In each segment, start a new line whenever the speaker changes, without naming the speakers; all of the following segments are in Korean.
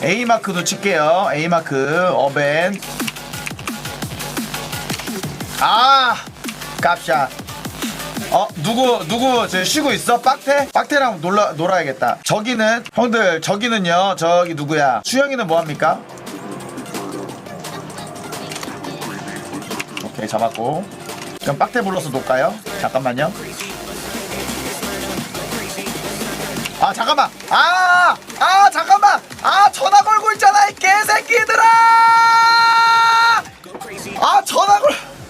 A마크도 칠게요. A마크 어벤. 아 깝샷. 누구 저 쉬고 있어? 빡태랑 놀아야겠다. 저기는 형들, 저기는요, 저기 누구야? 수영이는 뭐합니까? 오케이, 잡았고. 그럼 빡태 불러서 놓을까요? 잠깐만요. 아 잠깐만. 잠깐만. 전화 걸고 있잖아 이 개새끼들아. 전화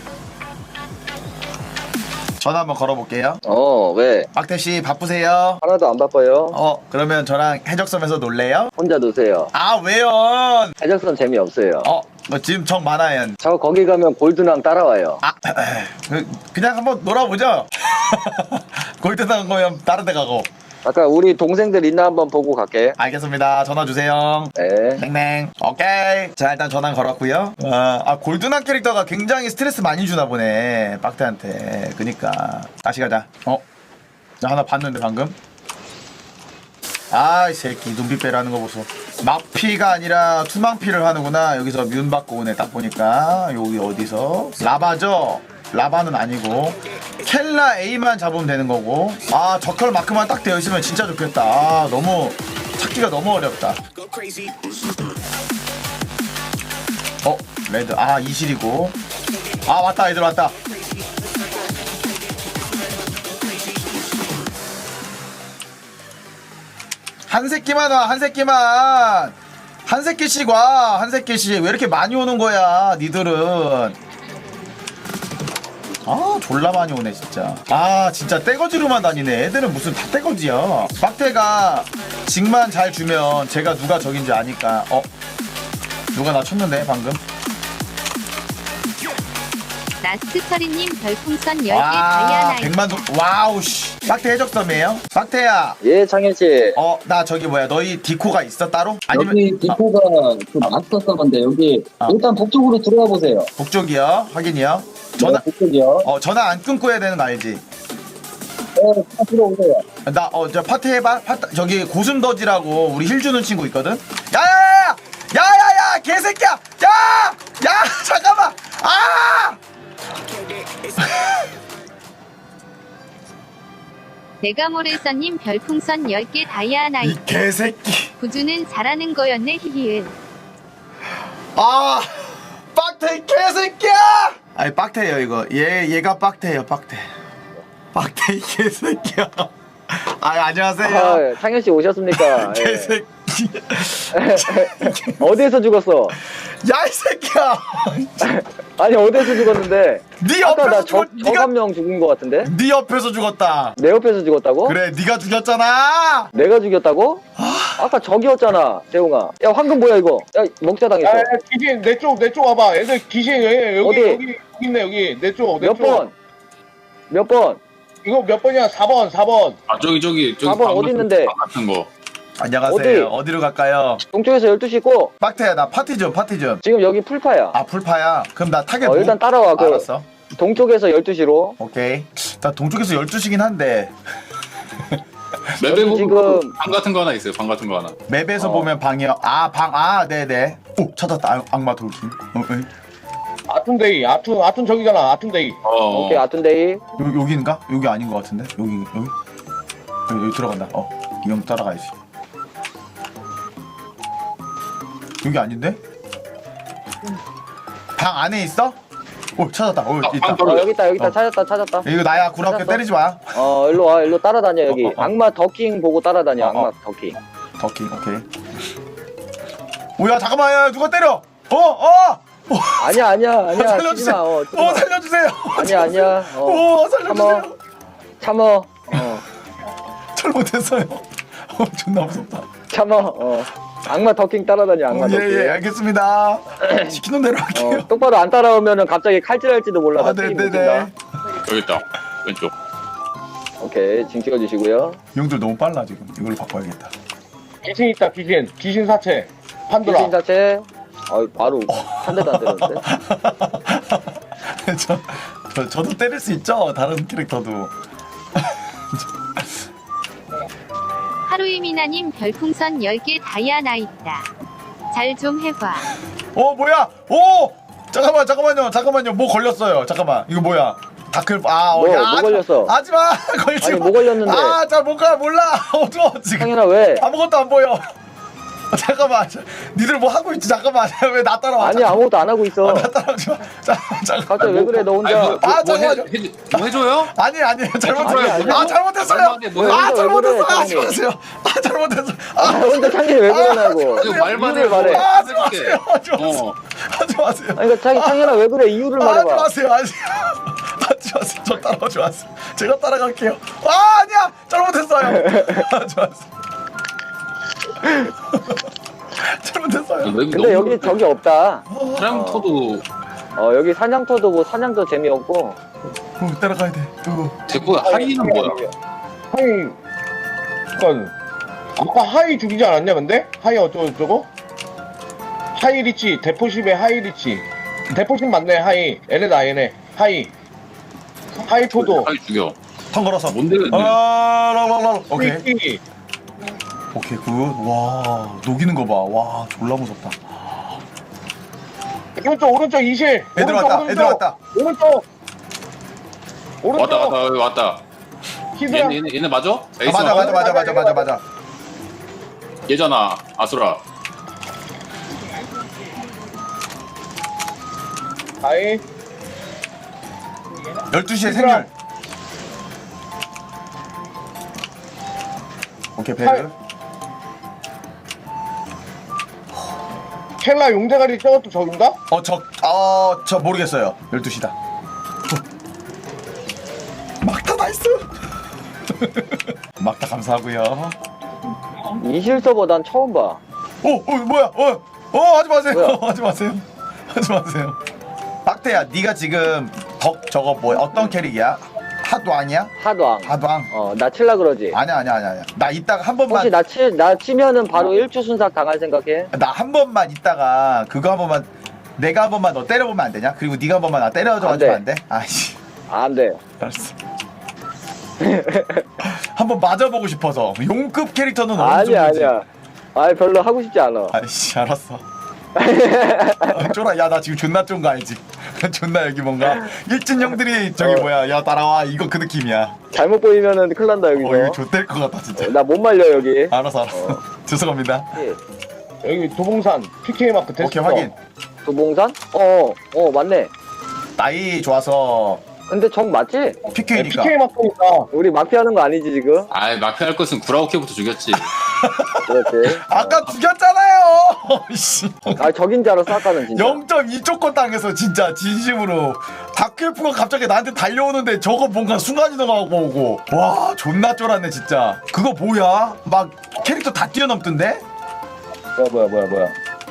한번 걸어볼게요.
왜?
빡태씨 바쁘세요?
하나도 안 바빠요.
그러면 저랑 해적섬에서 놀래요?
혼자 노세요.
왜요?
해적선 재미없어요.
지금 정 많아요.
저 거기 가면 골드랑 따라와요.
그냥 한번 놀아보죠. 골드당 거면 다른 데 가고.
아까 우리 동생들 있나 한번 보고 갈게.
알겠습니다. 전화 주세요.
네.
땡땡. 오케이. 자, 일단 전화 걸었고요. 골드난 캐릭터가 굉장히 스트레스 많이 주나 보네, 빡태한테. 그니까 다시 가자. 나 하나 봤는데 방금. 이 새끼 눈빛 빼라는 거 보소. 막피가 아니라 투망피를 하는구나. 여기서 뮨 받고 오네. 딱 보니까 여기 어디서 라바죠? 라바는 아니고 켈라 A만 잡으면 되는 거고. 저컬 마크만 딱 되어 있으면 진짜 좋겠다. 너무 찾기가 너무 어렵다. 레드. 이실이고. 왔다, 애들 왔다. 한 새끼만 와, 한 새끼만. 한 새끼씩 와, 한 새끼씩. 왜 이렇게 많이 오는 거야, 니들은. 졸라 많이 오네 진짜. 진짜 떼거지로만 다니네. 애들은 무슨 다 떼거지야. 빡태가 직만 잘 주면 제가 누가 적인지 아니까. 누가 나 쳤는데 방금.
나스터리님 별풍선 10개 다이아나이.
100만 동. 와우 씨. 빡태 해적섬이에요? 빡태야.
예, 창현씨.
나 저기 뭐야, 너희 디코가 있어 따로? 아니면
여기 디코가 그 마스터 서버인데 여기 일단 북쪽으로 들어가 보세요.
북쪽이요? 확인이요? 전화
북쪽이요.
전화 안 끊고 해야 되는 거 알지?
네, 다 들어오세요.
저 파티 해봐. 저기 고슴더지라고 우리 힐 주는 친구 있거든. 야야야 개새끼야. 야 잠깐만.
내가모레서님 별풍선 10개 다이아나이.
이 개새끼.
구주는 잘하는 거였네 히히은.
빡태 개새끼야. 빡태예요 이거. 얘가 빡태예요. 빡태 이 개새끼야. 안녕하세요.
창현씨 오셨습니까? 예.
개새끼.
어디에서 죽었어?
야 이 새끼야.
아니 어디에서 죽었는데?
네
아까
옆에서
저 한 명 죽은 것 같은데?
네 옆에서 죽었다.
내 옆에서 죽었다고?
그래, 네가 죽였잖아.
내가 죽였다고? 아까 저기였잖아, 재웅아. 야, 황금 뭐야 이거? 야, 먹자 당했어.
귀신 내 쪽 와봐. 애들 귀신 여기
어디?
있네 여기 내 쪽.
몇 번? 몇 번?
이거 몇 번이야? 4번.
저기
4번 어디 있는데?
같은 거.
안녕하세요. 어디로 갈까요?
동쪽에서 12시 있고
빡태야, 나 파티 좀.
지금 여기 풀파야.
풀파야. 그럼 나 타겟
일단 따라와.
알았어.
동쪽에서 12시로.
오케이. 나 동쪽에서 12시긴 한데
맵에 보면
지금
방 같은 거 하나 있어요. 방 같은 거 하나.
맵에서 보면 방이요. 네네. 오, 찾았다. 악마 돌진.
아툰데이. 아툰 저기잖아. 아툰데이.
오케이, 아툰데이.
여기인가? 여기 아닌 것 같은데. 여기 들어간다. 이 형 따라가야지. 여기 아닌데? 방 안에 있어? 오, 찾았다. 있다.
여기 있다. 찾았다.
이거 나야. 구라게
찾았어.
때리지 마.
일로 와. 일로 따라다녀 여기. 악마 더킹 보고 따라다녀. 악마 더킹.
더킹. 오케이. 오야, 잠깐만. 야, 누가 때려?
아니야.
살려주세요.
치지 마.
살려주세요.
아니야.
살려주세요.
참어.
잘못했어요. 존나 무섭다.
참어. 악마 더킹 따라다녀. 악마 더킹.
예, 알겠습니다. 시키는 대로 할게요.
똑바로 안 따라오면은 갑자기 칼질할지도 몰라.
네네네.
여기 있다. 왼쪽.
오케이, 징 찍어주시고요.
형들 너무 빨라 지금. 이걸로 바꿔야겠다.
귀신 있다. 귀신 사체. 판도라.
귀신 자체. 바로 한 대도 안 때렸는데.
저도 때릴 수 있죠. 다른 캐릭터도.
하루이미나님 별풍선 10개 다이아나 있다. 잘 좀 해봐.
뭐야? 잠깐만요. 뭐 걸렸어요. 잠깐만. 이거 뭐야? 다클
뭐 걸렸어?
하지마. 걸지
아니
마.
뭐 걸렸는데?
잘 못 가. 몰라. 어두워 지금.
상현아 왜?
아무것도 안 보여. 잠깐만. 니들 뭐 하고 있지? 잠깐만. 왜 나 따라와?
아니 아무것도 안 하고 있어.
나 따라오지 마. 잠깐.
갑자기 왜 그래 너 혼자?
잠깐만요.
뭐 해줘요?
아니 잘못했어요.
아니, 아니.
잘못했어요.
뭐야,
잘못했어요.
왜
하지
그래,
마세요. 잘못했어.
혼자 창현이 왜 그러냐고.
이거 말만
이유를
해.
말해.
하지 마세요.
어.
하지 마세요.
아니 그러니까 창현아 왜 그래 이유를
하지
말해봐.
마세요. 하지 마세요. 저 따라오지 마세요. 제가 따라갈게요. 아니야. 잘못했어요. 하지 마세요. 잘못했어요.
근데 여기 저기 없다.
사냥터도
여기 사냥터도 뭐 사냥도 재미없고.
따라가야 돼.
대포 하이는 뭐야?
하이 잠깐 아까 하이 죽이지 않았냐 근데? 하이 어쩌고저쩌고? 하이 리치 대포십에 하이 리치 대포십 맞네 하이 얘네다 얘네 하이 토도
하이 죽여.
턴 걸어서.
뭔데?
오케이.
리치.
오케이 굿. 와 녹이는 거 봐. 와 졸라 무섭다.
오른쪽 이실
애들 왔다. 애들 왔다.
오른쪽
왔다.
히드라
얘네 맞아? 에이스
맞아.
얘잖아 아수라.
하이
12시에 생률. 오케이 배를.
켈라 용대가리 저것도 적인가?
저 모르겠어요. 12시다. 막타 나이스. 막타 감사하고요.
이실 서버 난 처음 봐.
뭐야? 하지 마세요.
뭐야?
하지 마세요. 박태야, 네가 지금 덕 저거 뭐야? 어떤 캐릭이야? 하도왕이야?
하도왕.
하도왕.
나 칠라 그러지.
아니야. 나 이따가 한 번만.
혹시 나 치면은 바로 1주 순삭 당할 생각해?
나 한 번만 이따가 그거 한 번만 내가 한 번만 너 때려보면 안 되냐? 그리고 네가 한 번만 나 때려줘가지고 안 돼? 아이씨.
안 돼.
알았어. 한번 맞아보고 싶어서 용급 캐릭터는 어느
아니야
정도지?
아니야. 아이 별로 하고 싶지 않아.
아이씨 알았어. 쫄아. 야 나 지금 존나 쫀 거 알지? 존나 여기 뭔가 일진 형들이 저기 뭐야 야 따라와 이거 그 느낌이야.
잘못 보이면은 큰일 난다 여기서.
이거 좆될 것 같다 진짜.
나 못 말려 여기.
알았어. 죄송합니다.
여기 도봉산 PK 마크 됐어.
오케이 확인.
도봉산? 맞네.
나이 좋아서
근데 정 맞지?
PK니까.
PK 마크니까
우리 막피하는 거 아니지 지금?
아이 마피할 것은 구라오케부터 죽였지.
그렇지.
아까 죽였잖아요. 씨.
적인 줄 알았어 아까는 진짜.
0.2초권 당해서 진짜 진심으로 다크엘프가 갑자기 나한테 달려오는데 저거 뭔가 순간이동하고 오고 와 존나 쫄았네 진짜. 그거 뭐야? 막 캐릭터 다 뛰어넘던데?
뭐야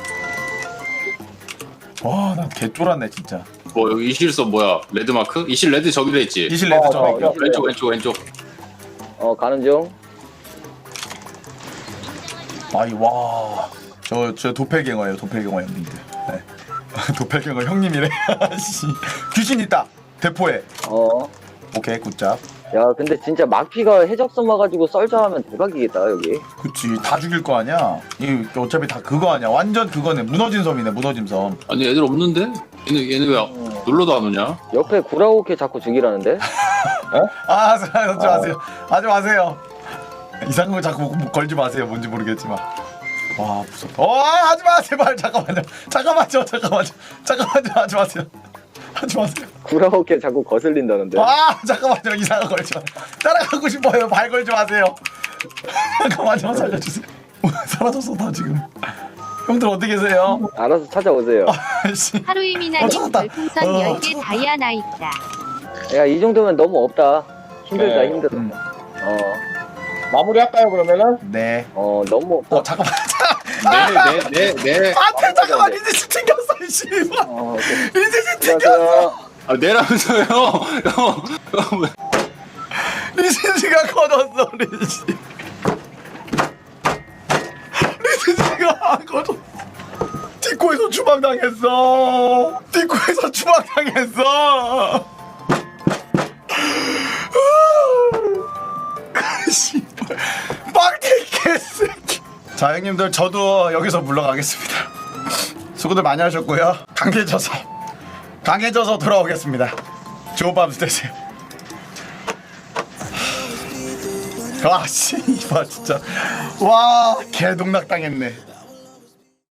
와 난 개 쫄았네 진짜.
뭐 여기 이실서 뭐야? 레드마크? 이실 레드 저기로 했지.
이실 레드 저
왼쪽.
가는 중.
아이 와저 도펠갱어예요 도펠갱어 형님들. 네. 도펠갱어 형님이래. 씨. 귀신 있다 대포에. 오케이 굿잡.
야 근데 진짜 막피가 해적선 와가지고 썰자하면 대박이겠다 여기.
그치 다 죽일 거 아니야. 이 어차피 다 그거 아니야. 완전 그거네. 무너진 섬이네 무너진 섬.
아니 애들 없는데? 얘네 왜 놀러도 안 오냐?
옆에 구라오케 자꾸 죽이라는데?
하지 마세요. 이상한 거 자꾸 걸지 마세요. 뭔지 모르겠지만. 와 무섭다. 하지 마 제발. 잠깐만요. 하지 마세요.
구라오케 자꾸 거슬린다는데?
잠깐만요. 이상한 거 걸지 마. 따라가고 싶어요. 발 걸지 마세요. 잠깐만요. 살려주세요. 사라졌어 다 지금. 형들 어디 계세요?
알아서 찾아오세요.
하루이미나님
찾았다.
별풍선 10개 다이아나 있다.
야 이 정도면 너무 없다. 힘들다
네.
힘들어.
마무리 할까요 그러면은?
네.
너무 없다.
잠깐만.
네.
안돼 잠깐만 리즈씨 튕겼어 이 씨발. 리즈씨 튕겼어.
안녕하세요.
내라면서요. 형.
리즈씨가 꺼졌어 리즈씨. 리즈씨가 꺼졌어. 디코에서 추방당했어. 씨발. 빵태 개새끼. 자 형님들 저도 여기서 물러가겠습니다. 수고들 많이 하셨고요. 강해져서 돌아오겠습니다. 좋은 밤 되세요. 와, 씨, 이봐 진짜. 와, 개동락 당했네.